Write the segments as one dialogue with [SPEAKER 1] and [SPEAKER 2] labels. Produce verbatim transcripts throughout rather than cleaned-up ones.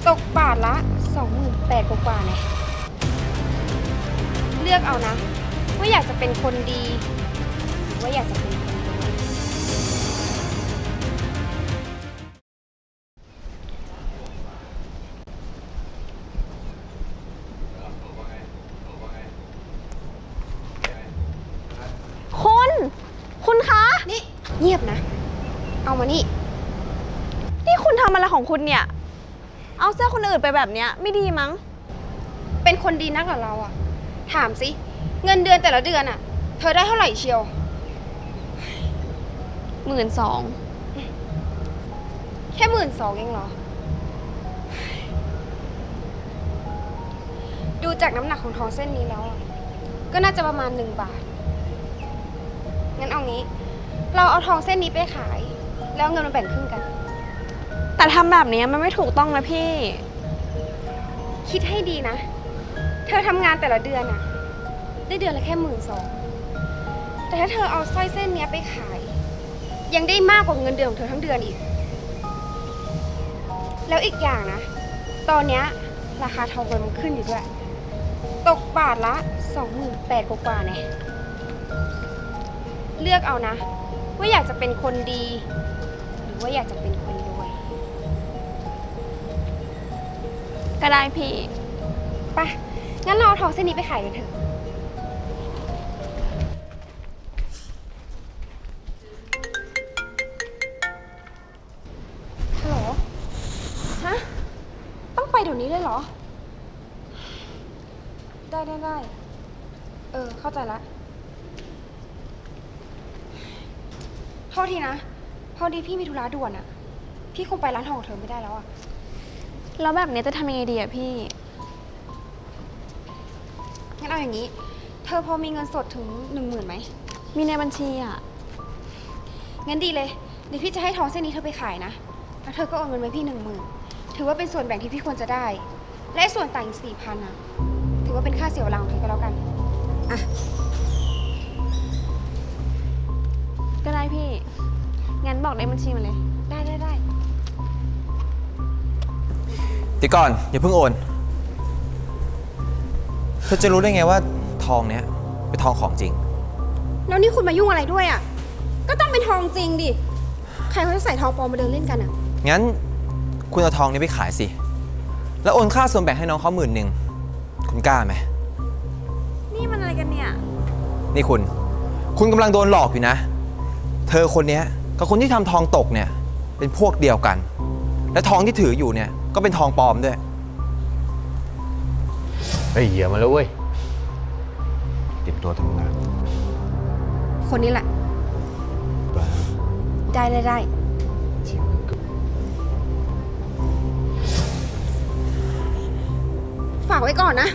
[SPEAKER 1] ตกบาทละสองหมื่นแปดกว่าๆเนี่ยเลือกเอานะว่าอยากจะเป็นคนดีหรือว่าอยากจะเป็นคนรวย
[SPEAKER 2] คุณคุณคะ
[SPEAKER 1] นี่เงียบนะ เอามานี่
[SPEAKER 2] นี่คุณทำอะไรของคุณเนี่ย เอาเสื้อคนอื่นไปแบบเนี้ยไม่ดีมั้ง
[SPEAKER 1] เป็นคนดีนักเหรอเราอะถามสิเงินเดือนแต่ละเดือนอะเธอได้เท่าไหร่เชียว
[SPEAKER 2] หมื่นสอง
[SPEAKER 1] แค่หมื่นสองเองเหรอ ดูจากน้ำหนักของทองเส้นนี้แล้วอะก็น่าจะประมาณหนึ่งบาท งั้นเอางี้ เราเอาทองเส้นนี้ไปขาย แล้วเอาเงินมาแบ่งครึ่งกัน
[SPEAKER 2] แต่ทำแบบนี้มันไม่ถูกต้องนะพี่
[SPEAKER 1] คิดให้ดีนะ เธอทำงานแต่ละเดือนอะได้เดือนละแค่หมื่นสองแต่ถ้าเธอเอาสร้อยเส้นนี้ไปขาย ยังได้มากกว่าเงินเดือนของเธอทั้งเดือนอีก แล้วอีกอย่างนะ ตอนเนี้ยราคาทองคำมันขึ้นอยู่ด้วย ตกบาทละสองหมื่นแปดกว่าๆเนี่ยเลือกเอานะ ว่าอยากจะเป็นคนดี หรือว่าอยากจะเป็นคนรวย
[SPEAKER 2] ก็ได้พี่
[SPEAKER 1] ไป งั้นเราเอาทองเส้นนี้ไปขายกันเถอะ ฮัลโหล ฮะ ต้องไปเดี๋ยวนี้เลยเหรอ ได้ได้ได้ เออ เข้าใจละโทษทีนะ พอดีพี่มีธุระด่วนอะพี่คงไปร้านทองของเธอไม่ได้แล้วอะ
[SPEAKER 2] แล้วแบบนี้จะทำยังไงดีอะพี่
[SPEAKER 1] งั้นเอาอย่างนี้ เธอพอมีเงินสดถึงหนึ่งหมื่นไหม
[SPEAKER 2] มีในบัญชีอะ
[SPEAKER 1] งั้นดีเลย เดี๋ยวพี่จะให้ทองเส้นนี้เธอไปขายนะ แล้วเธอก็เอาเงินไว้พี่หนึ่งหมื่นถือว่าเป็นส่วนแบ่งที่พี่ควรจะได้ และส่วนต่างอีกสี่พันอะถือว่าเป็นค่าเสียเวลาของเธอก็แล้วกัน อ่ะ
[SPEAKER 2] ก็ได้พี่ งั้นบอกในบัญชีมาเลย
[SPEAKER 1] ได้ได้ได้
[SPEAKER 3] เดี๋ยวก่อนอย่าเพิ่งโอนเธอจะรู้ได้ไงว่าทองเนี้ยเป็นทองของจริง
[SPEAKER 1] แล้วนี่คุณมายุ่งอะไรด้วยอะก็ต้องเป็นทองจริงดิ ใครเขาจะใส่ทองปลอมมาเดินเล่นกันอะ
[SPEAKER 3] งั้นคุณเอาทองนี้ไปขายสิ แล้วโอนค่าส่วนแบ่งให้น้องเขาหมื่นหนึ่งคุณกล้าไหม
[SPEAKER 2] นี่มันอะไรกันเนี่ย
[SPEAKER 3] นี่คุณ คุณกำลังโดนหลอกอยู่นะ เธอคนนี้กับคนที่ทำทองตกเนี่ยเป็นพวกเดียวกัน และทองที่ถืออยู่เนี่ยก็เป็นทองปลอมด้วย
[SPEAKER 4] เฮ้ยเหี้ยมาแล้วเว้ยเตรียมตัวทำงาน
[SPEAKER 1] คนนี้แหละ ได้ได้ได้
[SPEAKER 4] ทีมมึงก็
[SPEAKER 1] ฝากไว้ก่อนนะ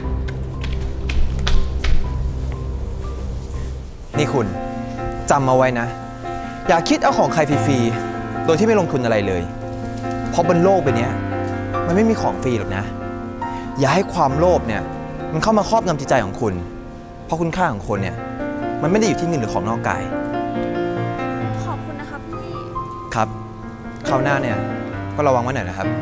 [SPEAKER 3] นี่คุณจำเอาไว้นะ อย่าคิดเอาของใครฟรีๆโดยที่ไม่ลงทุนอะไรเลย เพราะบนโลกใบนี้มันไม่มีของฟรีหรอกนะ อย่าให้ความโลภเนี่ยมันเข้ามาครอบงำจิตใจของคุณ เพราะคุณค่าของคนเนี่ยมันไม่ได้อยู่ที่เงินหรือของนอกกาย
[SPEAKER 2] ขอบคุณนะครับพี่
[SPEAKER 3] ครับคราวหน้าเนี่ยก็ระวังไว้หน่อยนะครับ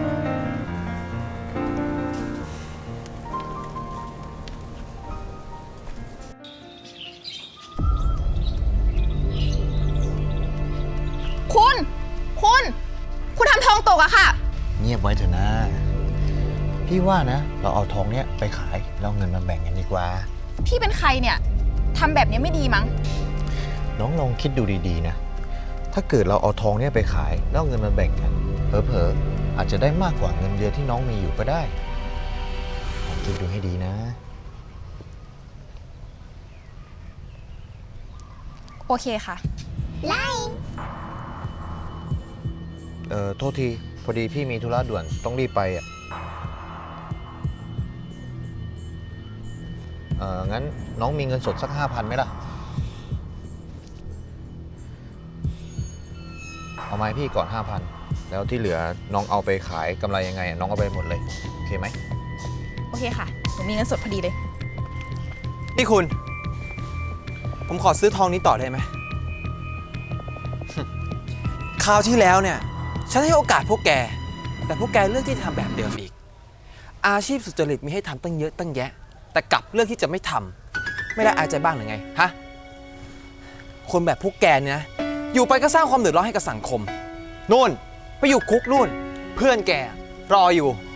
[SPEAKER 5] คุณ คุณ คุณทำทองตกอะค่ะ
[SPEAKER 4] เงียบไว้เถอะนะ พี่ว่านะ เราเอาทองเนี้ยไปขายแล้วเอาเงินมาแบ่งกันดีกว่า
[SPEAKER 5] พี่เป็นใครเนี่ยทำแบบนี้ไม่ดีมั้ง
[SPEAKER 4] น้องลองคิดดูดีๆนะ ถ้าเกิดเราเอาทองเนี้ยไปขายแล้วเอาเงินมาแบ่งกัน เผลอๆอาจจะได้มากกว่าเงินเดือนที่น้องมีอยู่ก็ได้ลองคิดดูให้ดีนะ
[SPEAKER 5] โอเคค่ะ
[SPEAKER 4] เอ่อโทษที พอดีพี่มีธุระด่วนต้องรีบไปอ่ะ เอ่อ งั้นน้องมีเงินสดสักห้าพันไหมล่ะ เอามาให้พี่ก่อนห้าพันแล้วที่เหลือน้องเอาไปขายกำไรยังไงอะน้องเอาไปหมดเลย โอเคไหม
[SPEAKER 5] โอเคค่ะหนูมีเงินสดพอดีเลย
[SPEAKER 3] นี่คุณ ผมขอซื้อทองนี้ต่อได้ไหม คราวที่แล้วเนี่ยฉันให้โอกาสพวกแก แต่พวกแกเลือกที่จะทำแบบเดิมอีกอาชีพสุจริตมีให้ทำตั้งเยอะตั้งแยะ แต่กลับเลือกที่จะไม่ทำไม่ได้อายใจบ้างหรือไงฮะคนแบบพวกแกเนี่ยนะอยู่ไปก็สร้างความเดือดร้อนให้กับสังคมนู่นไปอยู่คุกนู่น เพื่อนแกรออยู่